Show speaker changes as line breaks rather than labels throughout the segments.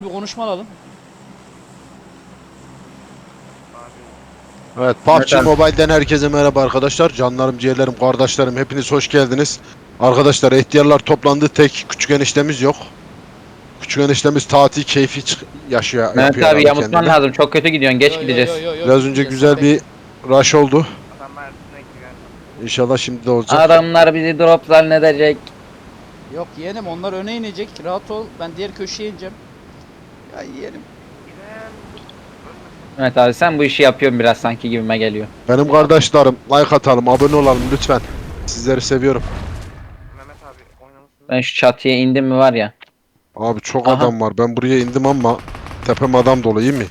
Bir konuşma alalım.
Evet, PUBG
Evet abi.
Mobile'den herkese merhaba arkadaşlar. Canlarım, ciğerlerim, kardeşlerim hepiniz hoş geldiniz. Arkadaşlar ihtiyarlar toplandı. Tek küçük eniştemiz yok. Küçük eniştemiz tatil keyfi yaşıyor,
Mehmet
yapıyor
abi
herhalde
yamutman
kendine.
lazım. Çok kötü gidiyorsun. Geç
Yo yo yo
gideceğiz.
yo yo
Biraz önce
gitmeyeceğiz, sen
güzel bir
bekle.
rush oldu.
Adam Mersin'e gidiyor.
İnşallah şimdi de olacak.
Adamlar bizi drop zannedecek.
Yok yeğenim, onlar öne inecek. Rahat ol. Ben diğer köşeye ineceğim. Ya yeğenim.
Giden
Mehmet abi sen bu işi yapıyorsun biraz sanki gibime geliyor.
Benim kardeşlerim like atalım, abone olalım lütfen. Sizleri seviyorum.
Mehmet abi oynamışsın.
Ben şu çatıya indim mi var ya.
Abi çok
Aha.
adam var. Ben buraya indim ama tepem adam dolu, iyi mi?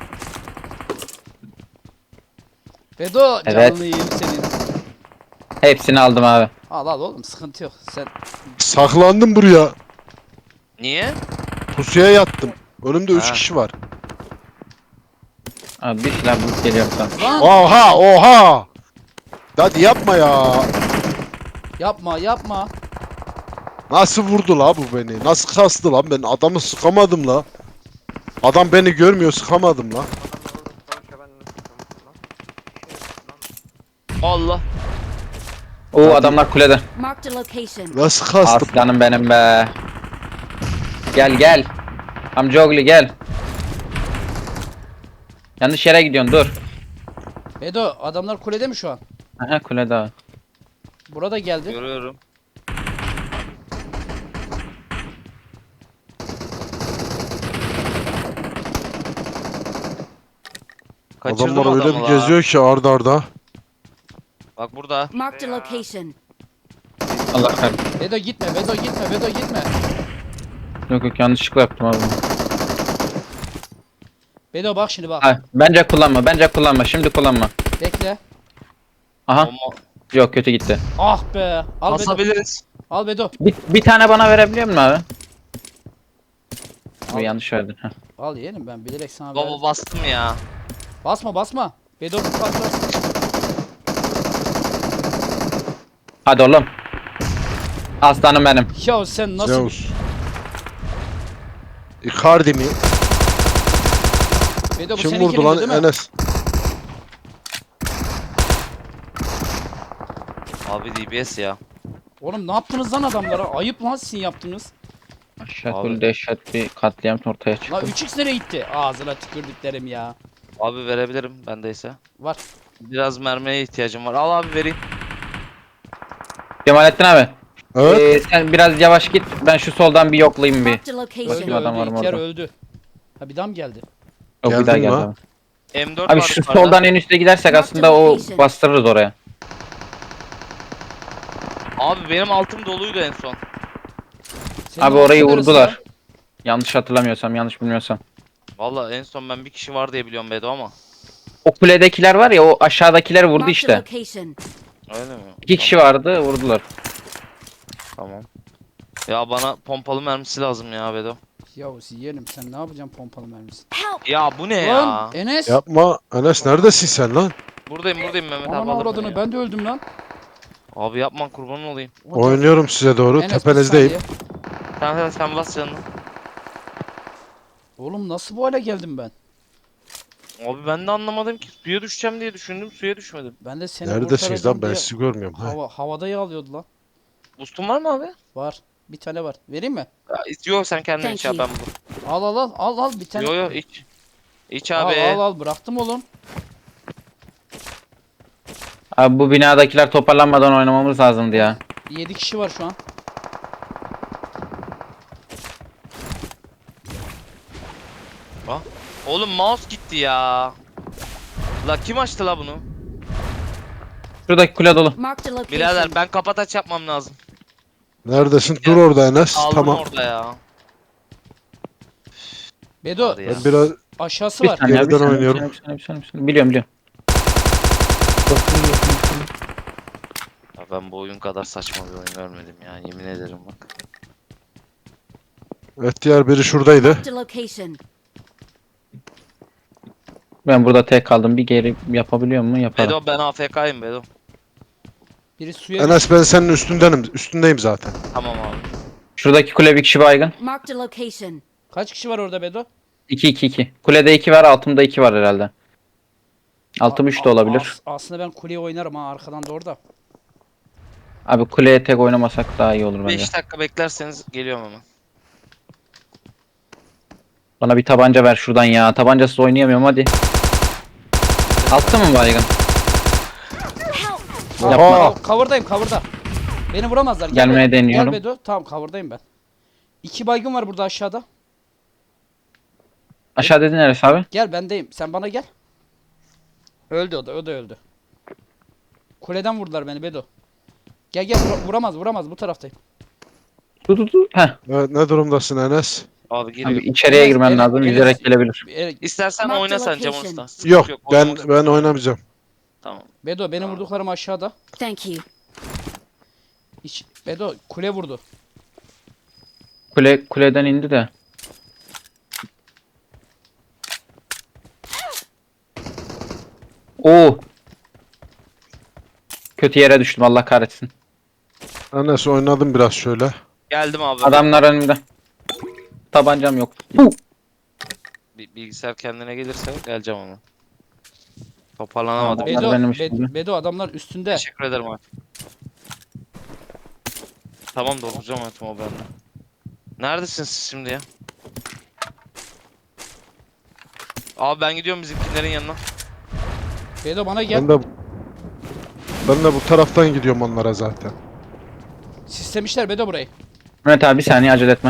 Bedo
Evet.
canını yiyeyim senin.
Hepsini aldım abi.
Al al oğlum, sıkıntı yok. Sen
Saklandım buraya.
Niye?
Pusuya yattım. Önümde 3
Ha.
kişi var.
Abi bir şeyler bulup geliyorum sana.
lan
Oha oha. Hadi yapma ya.
yapma yapma.
Nasıl vurdu la bu beni? Nasıl kastı lan? Ben adamı sıkamadım la. Adam beni görmüyor, sıkamadım la.
Adamlar orada savaşıyor, ben nasıl tutamazsın lan? Şey, lan. Allah.
Oo
Hadi.
adamlar kulede.
Marked a location.
Nasıl kastım?
Aslanım benim be. Gel gel. Amcaoğlu gel. Yanlış yere gidiyorsun dur.
Bedo, adamlar kulede mi şu an?
Aha kulede abi.
Burada geldi.
Görüyorum. Kaçırdım
Adamlar öyle
adamı
bir
la.
geziyor ki arda arda.
Bak burada.
Marked a location.
Allah kahretsin.
Bedo gitme, Bedo gitme, Bedo gitme.
Yok yok yanlışlıkla yaptım abi.
Bedo bak şimdi bak.
Ha, bence kullanma bence kullanma şimdi kullanma.
Bekle.
Aha
Bomba.
yok kötü gitti.
Ah be. Al Bedo.
Basabiliriz.
Al Bedo.
Bir tane bana verebiliyor musun abi? Bu
Al.
yanlış verdin. Heh.
Al yeğenim, ben bilerek sana
Baba
verdim.
bastım ya.
Basma basma. Bedo bir patlar.
Hadi oğlum. Aslanım benim.
Ya sen nasıl...
Zeus. Icardi mi?
Bedo bu
Kim
seninkinin
vurdu lan?
değil mi?
Enes.
Abi DBS ya.
Oğlum ne yaptınız lan adamlara? Ayıp lan sizin yaptığınız.
Aşağı
Abi.
böyle dehşet bir katliam ortaya
La
çıktı.
3x nereye gitti? Ağzına tükürdüklerim ya.
Abi verebilirim bendeyse.
Var.
Biraz mermiye ihtiyacım var. Al abi vereyim.
Cemalettin abi.
Evet.
Sen biraz yavaş git. Ben şu soldan bir yoklayayım bir.
Marked a
Öldü
location.
Bakayım adam var
öldü.
mı
İlker
orada?
öldü. Ha bir daha mı geldi?
Yok bir
Geldin
daha
mi
geldi
ha?
abi.
M4
Abi
var
şu
yukarıda.
soldan en üste gidersek aslında o bastırırız oraya.
Abi benim altım doluydu en son.
Senin
Abi orayı
orası neresi
vurdular.
ya?
Yanlış hatırlamıyorsam, yanlış bilmiyorsam.
Valla en son ben bir kişi var diye biliyorum Bedo ama.
O kuledekiler var ya, o aşağıdakiler vurdu
Marked a
işte.
location.
Öyle mi?
2 kişi vardı, vurdular.
Tamam. Ya bana pompalı mermisi lazım ya Bedo.
Yahu yeğenim, sen ne yapacaksın pompalı mermisi?
Help!
Ya bu ne
Lan
ya?
Enes.
Yapma. Enes neredesin sen lan?
Buradayım Mehmet abi
Ananı
alır beni
avradını,
ya.
ben de öldüm lan.
Abi yapma kurban olayım.
O da-
Oynuyorum size doğru.
Enes, bir
Tepenizdeyim.
saniye.
Sen bas canını.
Oğlum nasıl bu hale geldim ben?
Abi ben de anlamadım ki. Suya düşeceğim diye düşündüm. Suya düşmedim.
Ben de seni
Neredesiniz
kurtaracağım
lan? Ben
diye
sizi görmüyorum. Ha.
havada yağlıyordu lan.
Boost'un var mı abi?
Var. Bir tane var. Vereyim mi?
Ya, yok sen kendin
Thank
iç abi
you.
ben bulurum.
Al al al al al bir tane.
Yo iç. İç
Al
abi.
al al, bıraktım oğlum.
Abi bu binadakiler toparlanmadan oynamamız lazımdı ya.
7 kişi var şu an.
Oğlum mouse gitti ya. La kim açtı la bunu?
Şuradaki kule dolu.
Marked a location.
Birader ben kapataç yapmam lazım.
Neredesin? Dur orada Enes.
Aldım
Tamam.
orada ya.
Bedo
Hadi ya.
Ben biraz
aşağısı
Bir
var.
saniye,
Geriden
bir saniye,
oynuyorum.
bir saniye, bir saniye, bir saniye. Biliyorum.
Ya ben bu oyun kadar saçma bir oyun görmedim ya. Yemin ederim bak.
evet, diğer biri şuradaydı.
Marked a location.
Ben burada tek kaldım. Bir geri yapabiliyor mu? Yaparım.
Bedo ben AFK'yım Bedo.
Biri suya
Enes ben senin üstündeyim zaten.
Tamam abi.
Şuradaki kule bir kişi baygın.
Marked a location.
Kaç kişi var orada Bedo?
2-2-2. Kulede 2 var, altımda 2 var herhalde. Altım 3 de olabilir.
Aslında ben kuleye oynarım ha arkadan da orada.
Abi kuleye tek oynamasak daha iyi olur bence.
5 dakika beklerseniz geliyorum hemen.
Bana bir tabanca ver şuradan ya. Tabancasız oynayamıyorum hadi. Altta mı baygın? Yapma.
Oha!
Cover'dayım cover'da. Beni vuramazlar.
Gelmeye deniyorum.
Gel Bedo. Tamam cover'dayım ben. 2 baygın var burada aşağıda.
Aşağı dedin neresi abi?
Gel bendeyim. Sen bana gel. Öldü o da. O da öldü. Kuleden vurdular beni Bedo. Gel gel vuramaz bu taraftayım.
Dur. Heh.
Evet, ne durumdasın Enes?
Abi
Abi
geliyor.
içeriye girmen
Evet,
lazım.
evet.
Yüzerek gelebilir.
İstersen
Mark
oyna
the
sen Cem
location.
Usta. Sıkıntı
Yok, ben
oynamak
ben oynamayacağım.
Tamam.
Bedo benim vurduklarım aşağıda.
Thank you.
Bedo kule vurdu.
Kuleden indi de. Oo. Kötü yere düştüm Allah kahretsin.
Enes oynadım biraz şöyle.
Geldim abi.
Adamlar önümde. Tabancam yok.
Bilgisayar kendine gelirse geleceğim ama. Toparlanamadım.
Tamam.
Bedo,
benim üstümde.
Bedo adamlar üstünde.
Teşekkür ederim abi. Tamam dolduracağım hayatım o bende. Neredesiniz siz şimdi ya? Abi ben gidiyorum bizimkilerin yanına.
Bedo bana gel.
Ben de bu taraftan gidiyorum onlara zaten.
Sistemişler Bedo burayı.
Mehmet abi bir saniye acele etme.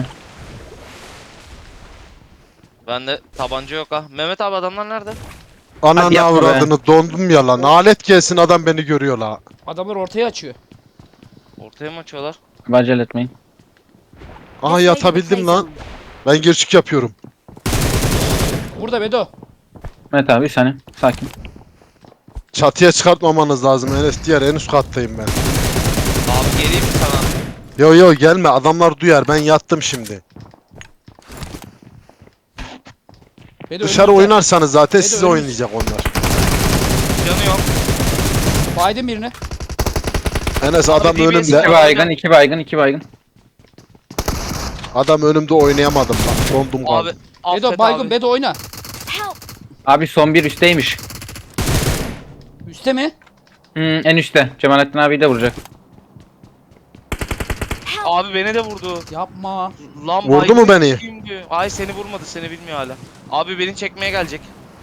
Bende tabanca yok ha. Mehmet abi adamlar nerede?
Ananı
yapma be.
avradını dondum ya lan. Alet gelsin adam beni görüyor la.
Adamlar ortaya açıyor.
Ortaya mı açıyorlar?
Abi acele etmeyin.
Aha
This way to the
yatabildim
play
lan.
zone.
Ben girişik yapıyorum.
Burada Bedo.
Mehmet abi bir saniye. Sakin.
Çatıya çıkartmamanız lazım Enes. Diğer en üst kattayım ben.
Abi geleyim mi sana?
Yo gelme adamlar duyar ben yattım şimdi.
Bedo
Dışarı
önümüzde.
oynarsanız zaten
Bedo
size
önümüz-
oynayacak onlar.
Canı yok.
Baydım birini.
Enes
Abi
adam
DBS
önümde.
2 baygın, 2 baygın, 2 baygın.
Adam önümde oynayamadım lan. Dondum
Abi
kaldım.
Bedo
affet
baygın
abi.
Bedo oyna.
Help!
Abi son bir üstteymiş.
Üste mi?
En üstte. Cemalettin abi de vuracak.
Abi beni de vurdu.
Yapma.
Lan
Vurdu mu
baygın
beni?
kimdi? Ay seni vurmadı seni bilmiyor hala. Abi beni çekmeye gelecek.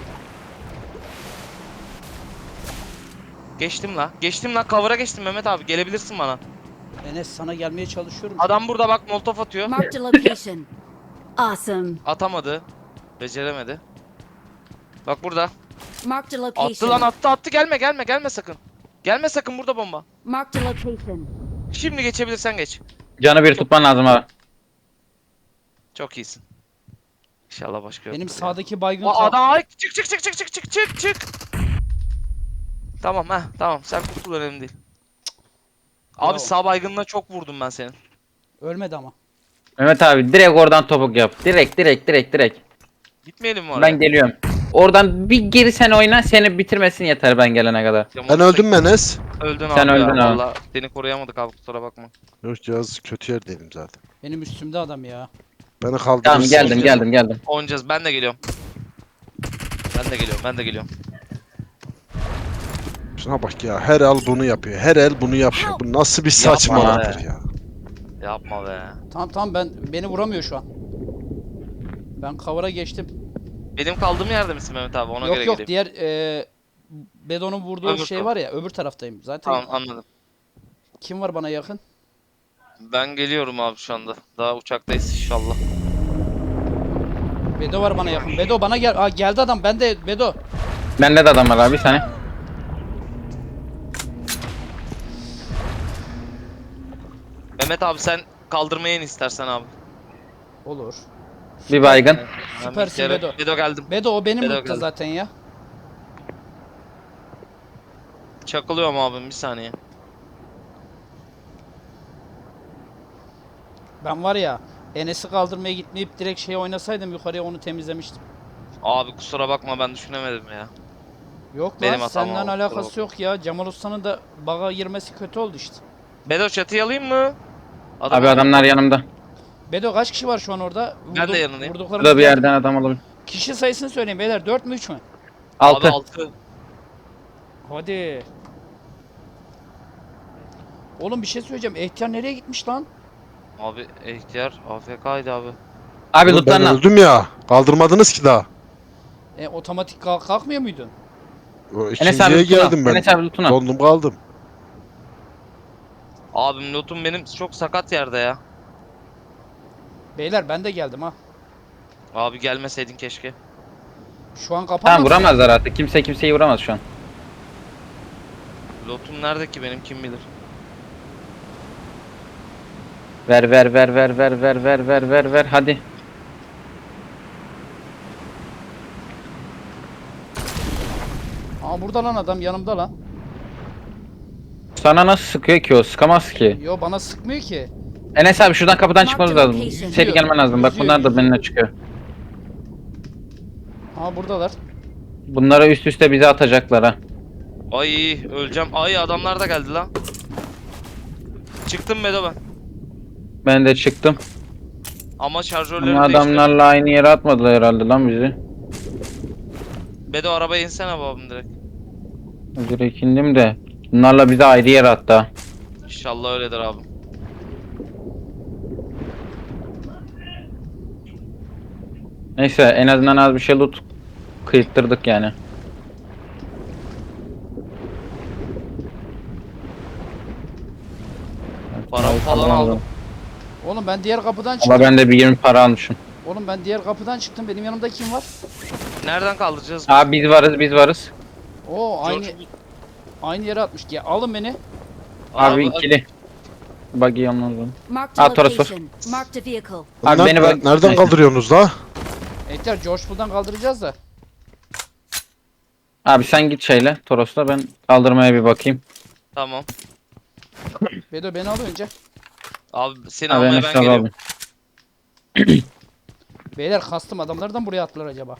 Geçtim la. Geçtim la. Cover'a geçtim Mehmet abi. Gelebilirsin bana.
Enes sana gelmeye çalışıyorum.
Adam burada bak molotof atıyor.
Marked a location. Awesome.
Atamadı. Beceremedi. Bak burada.
Marked a
Attı lan
location.
attı. Gelme sakın. Gelme sakın burada bomba.
Marked a location.
Şimdi geçebilirsen geç.
Canı bir tutman lazım abi.
Çok iyisin. İnşallah başka yok.
Benim sağdaki baygın
O adam ay çık. Tamam tamam sen kurtul önemli değil. Abi
Bravo.
sağ baygınına çok vurdum ben senin.
ölmedi ama.
Mehmet abi direkt oradan topuk yap. Direkt.
Gitmeyelim mi oraya?
Ben geliyorum. Oradan bir geri sen oyna, seni bitirmesin yeter ben gelene kadar.
Ben öldüm mü Enes?
Öldün
Sen
abi
öldün
ya.
abi.
Valla seni koruyamadık abi kusura bakma.
Yok cihaz kötü yerdeydim zaten.
Benim üstümde adam ya.
Beni kaldırırsın.
Tamam geldim.
Oynayacağız ben de geliyorum. Ben de geliyorum.
Şuna bak ya her el bunu yapıyor. Her el bunu yapıyor. Bu nasıl bir saçmalıktır
be.
ya.
Yapma be.
Tamam beni vuramıyor şu an. Ben cover'a geçtim.
Benim kaldığım yerde misin Mehmet abi ona göre
Yok
geleyim.
diğer Bedo'nun vurduğu
Öbür
şey
taraf.
var ya öbür taraftayım. Zaten
Tamam anladım.
kim var bana yakın?
Ben geliyorum abi şu anda. Daha uçaktayız inşallah.
Bedo var bana yakın. Bedo bana gel. Aa geldi adam. Ben de Bedo.
Bende de adam var abi bir saniye.
Mehmet abi sen kaldırmaya in istersen abi.
Olur.
Bir baygın.
Süpersin
Hemen
Bedo.
Bedo geldim.
Bedo o benim
Bedo
lootta
geldi.
zaten ya.
Çakılıyorum abim bir saniye.
Ben var ya Enes'i kaldırmaya gitmeyip direkt şey oynasaydım yukarıya onu temizlemiştim.
Abi kusura bakma ben düşünemedim ya.
Yok
Benim
lan
hatam
senden
oldu,
alakası
kusura
yok ya. Cemal Usta'nın da baga girmesi kötü oldu işte.
Bedo çatıyı alayım mı?
Abi adamlar yanımda.
Bedo kaç kişi var şu an orada?
Ben de yanındayım.
Vurduklarımız
Burada bir
geldi
yerden
mi?
adam olabilir.
Kişi sayısını söyleyin beyler. 4 mü 3 mü?
6.
Abi 6.
Hadi. Oğlum bir şey söyleyeceğim. Ehtiyar nereye gitmiş lan?
Abi ihtiyar AFK'ydı abi.
Abi
Oğlum ben
lootlarına.
öldüm ya. Kaldırmadınız ki daha.
Otomatik kalkmıyor muydun?
O
Enes abi
ikinciye
lootuna.
geldim ben.
Enes abi lootuna.
Dondum kaldım.
Abim lootum benim çok sakat yerde ya.
Beyler ben de geldim ha.
Abi gelmeseydin keşke.
Şu an
Tamam
kapanmadı.
vuramazlar artık. Kimse kimseyi vuramaz şu an.
Lootum nerede ki benim kim bilir.
Ver ver ver ver ver ver ver ver ver ver hadi.
Aa burada lan adam yanımda lan.
Sana nasıl sıkıyor ki o? Sıkamaz ki.
Yo bana sıkmıyor ki.
Enes abi şuradan kapıdan çıkmamız lazım. Seri gelmen lazım. Bak
Yüzüyor,
bunlar da
yüzüyor.
benimle çıkıyor.
Aa buradalar.
Bunları üst üste bize atacaklar ha.
Ay öleceğim. Ay adamlar da geldi lan. Çıktım Bedo ben.
Ben de çıktım.
Ama şarjörleri
Ama
değiştirdim.
adamlarla aynı yere atmadılar herhalde lan bizi.
Bedo arabaya insene babam direkt.
Direkt indim de. Bunlarla bizi ayrı yere attı ha.
İnşallah öyledir abi.
Neyse en azından az bir şey loot kıyıttırdık yani.
Paramı falan aldım.
Oğlum ben diğer kapıdan
Ama
çıktım.
ben de bir 20 para almışım.
Oğlum ben diğer kapıdan çıktım. Benim yanımda kim var?
Nereden kaldıracağız?
Abi biz varız biz varız.
Oo aynı
George-
aynı yere atmış. Ya alın beni.
Abi ikili. Buggy yalnız.
Marked a
Ah, Toros, Toros.
location. Marked a vehicle.
Abi beni bak.
Nereden
Neyse.
kaldırıyorsunuz la?
Ehtiyar George Bull'dan kaldıracağız da.
Abi sen git şeyle Toros'la ben kaldırmaya bir bakayım.
Tamam.
Bedo beni al önce.
Abi seni
Abi
almaya
Enes
ben
abi
geliyorum.
abi.
Beyler kastım adamlardan buraya attılar acaba.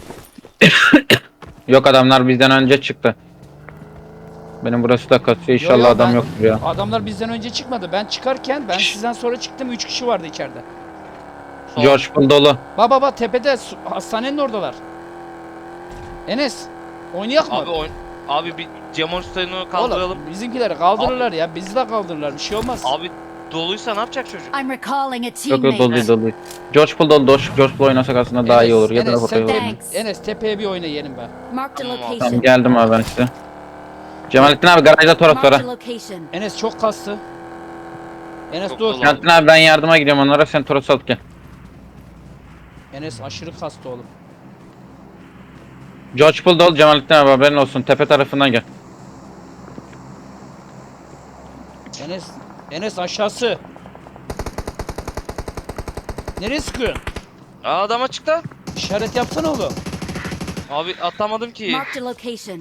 Yok adamlar bizden önce çıktı. Benim burası da kasıyor inşallah
yo,
adam
ben-
yoktur ya.
Adamlar bizden önce çıkmadı. Ben çıkarken ben sizden sonra çıktım. 3 kişi vardı içeride.
Sol.
George Bull dolu.
Baba tepede hastanenin oradalar. Enes oynayak mı?
Abi bir Cemal Usta'nı kaldıralım.
Oğlum bizimkileri kaldırırlar ya. Bizi de kaldırırlar. Bir şey olmaz.
Abi doluysa ne yapacak çocuk?
I'm recalling a
Yok yok dolu
teammate.
değil dolu değil. George Bull dolu. George Bull oynasak aslında daha iyi olur. Ya da
Enes,
Rafael olur.
Thanks.
Enes tepeye bir oyna yiyelim be.
Marked a
Tamam,
Tamam
location.
geldim abi ben size. Cemalettin abi garajda Toros var
Marked
ha.
a location.
Enes çok kastı. Enes
Çok
dur.
dolu.
Cemalettin abi ben yardıma gidiyorum onlara sen Toros alıp gel.
Enes aşırı kastı oğlum.
George Bull dolu Cemalettin abi haberin olsun. Tepe tarafından gel.
Enes aşağısı. Nereye sıkıyorsun?
Aa adam açıkta.
İşaret yapsana oğlum.
Abi atlamadım ki.
Marked a location.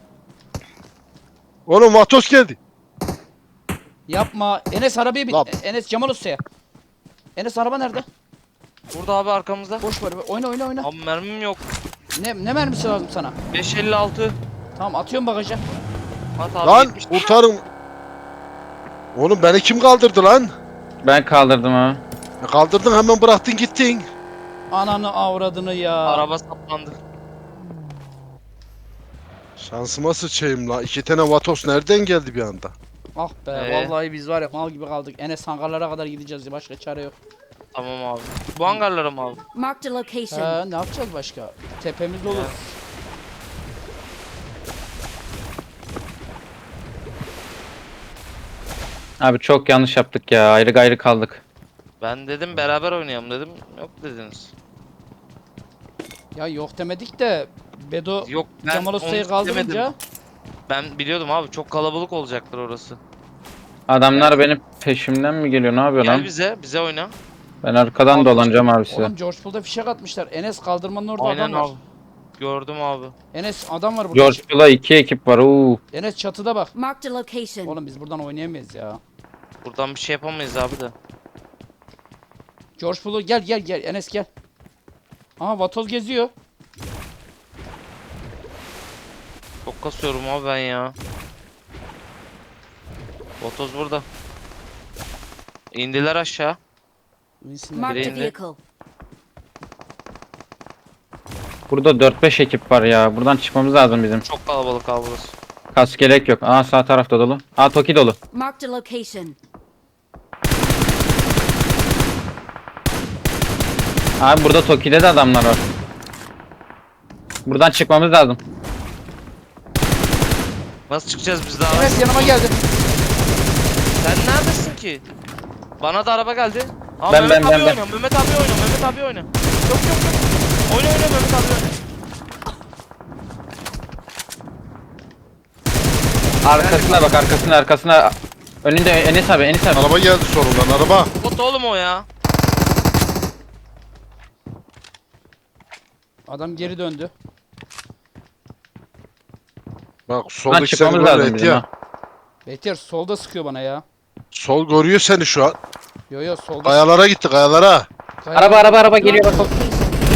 Oğlum Vatos geldi.
Yapma. Enes arabaya bin.
Lan.
Enes Cemal Usta'ya. Enes araba nerede?
Burada abi arkamızda.
Boş ver. Oyna oyna oyna.
Abi mermim yok.
Ne mermisi lazım sana?
556.
Tamam atıyorum bagaja.
At abi
Lan
70.
kurtarın. Oğlum beni kim kaldırdı lan?
Ben kaldırdım abi.
Kaldırdın hemen bıraktın gittin.
Ananı avradını ya.
Araba saplandı.
Şansıma sıçayım la. 2 tane Vatos nereden geldi bir anda?
Ah be vallahi biz var ya mal gibi kaldık. Enes hangarlara kadar gideceğiz ya başka çare yok.
Tamam abi. Bu hangarlara mı abi?
Marked a location.
Ne yapacağız başka? Tepemiz olur.
Abi çok yanlış yaptık ya. Ayrı gayrı kaldık.
Ben dedim beraber oynayalım dedim. Yok dediniz.
Ya yok demedik de Bedo
Yok ben
Cemal Usta'yı
onu
kaldırınca
demedim. Ben biliyordum abi çok kalabalık olacaktır orası.
Adamlar benim peşimden mi geliyor? Ne yapıyor
Gel
lan?
bize oyna.
Ben arkadan
Abi,
dolanacağım abi size.
oğlum George Bull'da fişek atmışlar. Enes kaldırmanın orada
Aynen
adam var.
abi. Gördüm abi.
Enes adam var burada.
George Bull'a 2 ekip var.
Enes çatıda bak.
Marked a location.
Oğlum biz buradan oynayamayız ya.
Buradan bir şey yapamayız abi de.
George Bull'u gel Enes gel. Aha Vatoz geziyor.
Çok kasıyorum abi ben ya. Botoz burada. İndiler aşağı.
Winsin'le
Marked a
Birinde.
vehicle.
Burada 4-5 ekip var ya. Buradan çıkmamız lazım bizim.
Çok kalabalık abi burası.
Kas gerek yok. Aa sağ tarafta dolu. Aa Toki dolu.
Marked a location.
Abi burada Toki'de de adamlar var. Buradan çıkmamız lazım.
Nasıl çıkacağız biz daha?
Enes yanıma geldi.
Sen neredesin ki? Bana da araba geldi. Aa,
Ben-
Mehmet
ben-
abi
ben-
oynuyor. Mehmet abi oynuyor. Mehmet abi oynuyor. Yok yok yok. Oyna oyna Mehmet abi oyna.
Arkasına bak arkasına. Önünde Enes abi Enes abi.
Araba geldi solundan araba.
Bot oğlum o ya.
Adam geri döndü.
Bak
Buradan
soldaki seni
çıkmamız
görüyor
lazım bizim
Etiyar.
ha.
Behtiyar solda sıkıyor bana ya.
Sol görüyor seni şu an.
Yo yo solda.
Kayalara gitti kayalara.
Araba geliyor bak.
Location.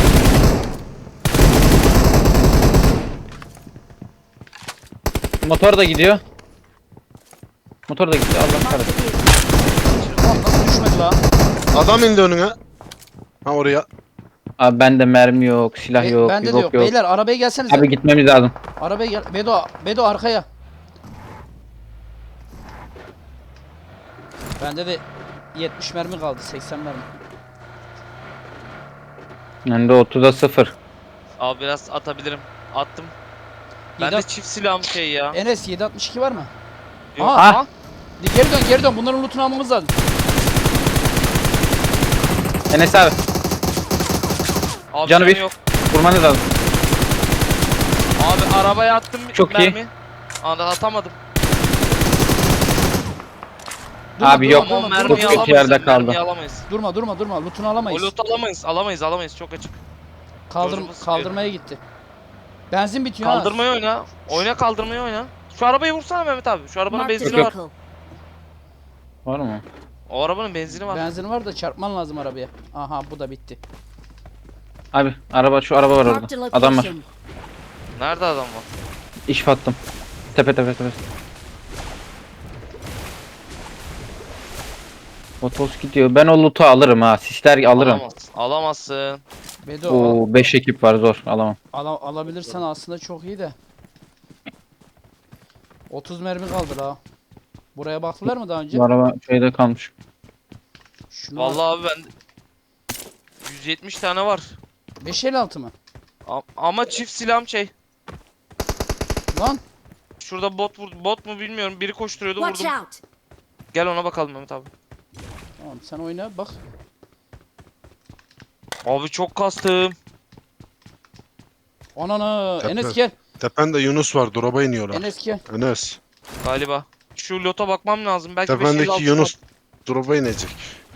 Motor da gidiyor. Motor da gidiyor. Allah
Marked a
kahretsin.
vehicle.
Lan nasıl düşmedi lan?
Adam indi önüne. Ha oraya.
Abi bende mermi yok, silah yok,
Bende de
yok
yok.
yok.
Beyler arabaya gelsenize.
Abi gitmemiz lazım.
Arabaya gel. Bedo arkaya. Bende de 70 mermi kaldı. 80 mermi.
Bende 30'a 0.
Abi biraz atabilirim. Attım. Ben de
Yedi-
çift silahım şey ya.
Enes 762 var mı?
Yok.
Aha.
Ah.
Geri dön. Bunların lootunu almamız lazım.
Enes abi
Abi
Canı
canı
bir.
yok.
vurmanız lazım.
Abi arabaya attım
Çok iyi.
mermi. Anda atamadım.
Abi yok.
Ama
Çok
mermiyi
kötü
alamayız.
yerde
yani,
kaldı.
Mermiyi alamayız.
Durma. Lootunu alamayız.
O loot alamayız. Çok açık. Yolcumuz
Kaldırmaya gitti. Benzin bitiyor ha.
Kaldırmayı oyna. Kaldırmayı oyna. Şu arabayı vursana Mehmet abi. Şu arabanın
Marked a
benzini var.
vehicle.
Var mı?
O arabanın benzini var.
Benzin var da çarpman lazım arabaya. Aha bu da bitti.
Abi şu araba var
Marked a
orada. Adam var.
location.
Nerede adam var?
İş attım. Tepe. Otos gidiyor. Ben o loot'u alırım ha. Sisler alırım.
Alamazsın.
Bedo
Oo 5 ekip var zor. Alamam.
alabilirsen aslında çok iyi de. 30 mermi kaldı ha. Buraya baktılar mı daha önce?
Bu araba şeyde kalmış.
Şunu
Vallahi abi ben 170 tane var.
556 mı?
Ama çift silahım şey.
Lan
Şurada bot mu bilmiyorum. Biri koşturuyordu
Watch
vurdum.
out.
Gel ona bakalım Mehmet abi.
tamam sen oyna bak.
Abi çok kastım.
Ananı
Tepe.
Enes gel.
Tepende Yunus var. Drop'a iniyorlar.
Enes gel.
Enes.
Galiba. Şu lota bakmam lazım. Belki 556
Tependeki Yunus drop'a inecek.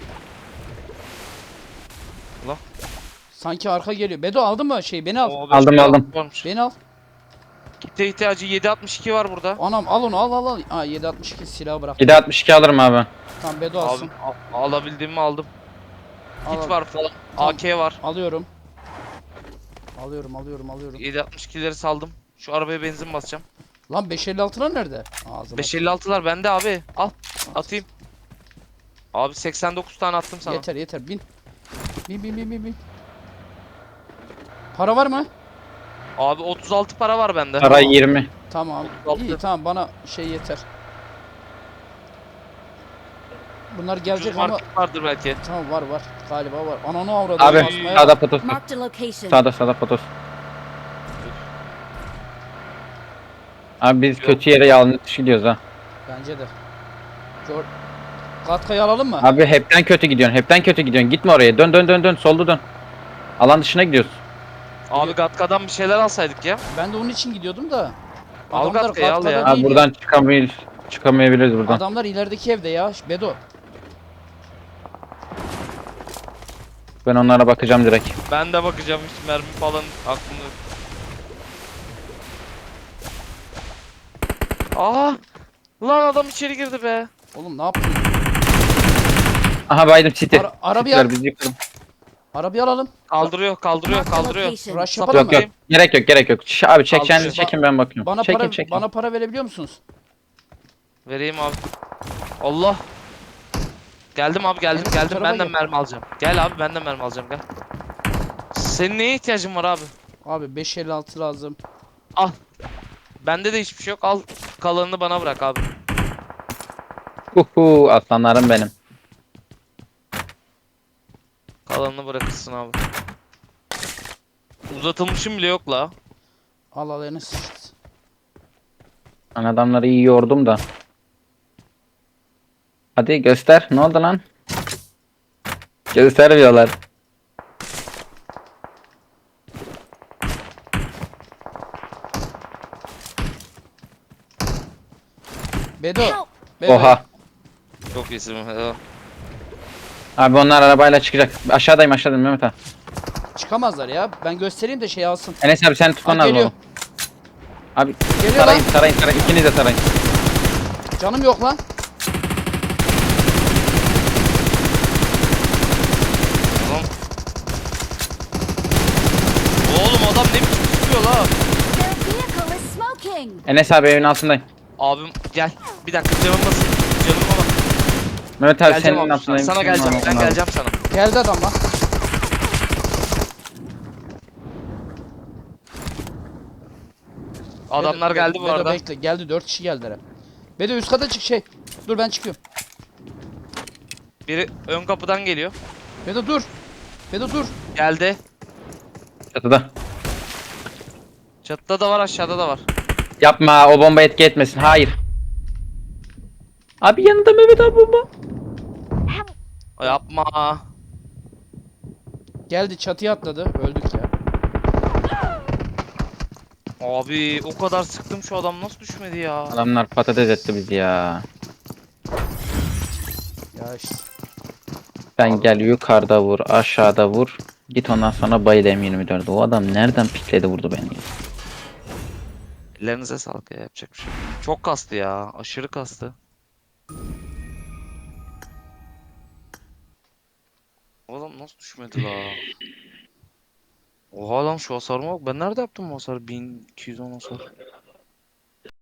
Sanki arka geliyor. Bedo aldın mı şeyi? Beni al.
Aldım.
Beni al.
Kitle ihtiyacı 762 var burada.
Anam al onu al. Aa 762 silahı bırak.
762 alırım abi.
Tamam Bedo
Abi
alsın.
alabildiğimi aldım.
Al,
Kit
al.
var falan.
Tamam.
AK var.
Alıyorum. Alıyorum.
762'leri saldım. Şu arabaya benzin basacağım.
Lan 556'lar nerede? Ağzıma.
556'lar bende abi. Al. Atayım. Abi 89 tane attım sana.
Yeter bin. Bin. Para var mı?
Abi 36 para var bende.
Para 20.
Tamam.
36.
İyi tamam bana şey yeter. Bunlar
Ucuz
gelecek ama
market vardır belki.
tamam var galiba var. Ananı avradı.
Abi
basmaya
sağda
bak.
potos.
Marked a location.
Sağda potos. Abi biz kötü yere yanlış gidiyoruz ha.
Bence de. Katkayı alalım mı?
Abi hepten kötü gidiyorsun. Gitme oraya. Dön. Solda dön. Alan dışına gidiyoruz.
Abi Gatka'dan bir şeyler alsaydık ya.
Ben de onun için gidiyordum da.
Al
Adamlar
Gatka'yı, al
Katka'da
ya.
değil
Abi buradan çıkamayabiliriz buradan.
Adamlar ilerideki evde ya. Bedo.
Ben onlara bakacağım direkt.
Ben de bakacağım hiç mermi falan aklımda yok. Aa! Lan adam içeri girdi be.
Oğlum ne yapıyorsun?
Aha baydım City.
Arabayı
City'ler
al.
bizi yıkalım.
Arabayı alalım.
Kaldırıyor.
Marked a location.
Rush
Yok,
yapalım mı?
Yok. Gerek yok. Abi çek
Al,
kendinizi
şey-
çekin ben bakıyorum.
Bana
Çekin.
bana para verebiliyor musunuz?
Vereyim abi. Allah. Geldim abi geldim
Enes, bu
geldim.
tarafa
Ben de
gel.
mermi alacağım. Gel abi ben de mermi alacağım gel. Senin neye ihtiyacın var abi?
Abi 556 lazım.
Al. Bende de hiçbir şey yok. Al kalanını bana bırak abi.
Uhu aslanlarım benim.
Kalanını bırakırsın abi. Uzatılmışım bile yok la.
Al al Enes.
Ben adamları iyi yordum da. Hadi göster. Ne oldu lan? Göstermiyorlar.
Bedo.
Help!
Bedo.
Oha.
Çok iyisin.
Abi onlar arabayla çıkacak. Aşağıdayım Mehmet abi.
Çıkamazlar ya. Ben göstereyim de şey alsın.
Enes abi sen tutman
Bak
lazım
geliyor.
oğlum. Abi
Geliyor
sarayın
lan.
sarayın. İkiniz de sarayın.
Canım yok lan.
Oğlum. Oğlum adam ne biçim sıkıyor la?
Their vehicle is smoking!
Enes abi evin altındayım.
Abim gel. Bir dakika canım nasıl? Canıma bak.
Mehmet abi
Geleceğim
senin
abi.
altındayım.
Sana geleceğim. Ben geleceğim sana.
Geldi adam lan.
Adamlar
Bedo,
geldi bu
Bedo
arada.
bekle. Geldi 4 kişi geldiler. Bedo üst kata çık şey. Dur ben çıkıyorum.
Biri ön kapıdan geliyor.
Bedo dur. Bedo dur.
Geldi.
Çatıda.
Çatıda da var aşağıda da var.
Yapma o bomba etki etmesin. Hayır. Abi yanında Mehmet abi bomba.
Yapma.
Geldi çatıya atladı. Öldük ya.
Abi o kadar sıktım şu adam nasıl düşmedi ya?
Adamlar patates etti bizi ya.
Ya işte.
Ben gel yukarıda vur, aşağıda vur. Git ondan sonra bayıl M24'de. O adam nereden pikledi vurdu beni?
Ellerinize sağlık ya yapacak bir şey yok. Çok kastı ya. Aşırı kastı. O adam nasıl düşmedi la? Oha lan şu hasarıma bak. Ben nerede yaptım bu hasarı? 1210 hasar.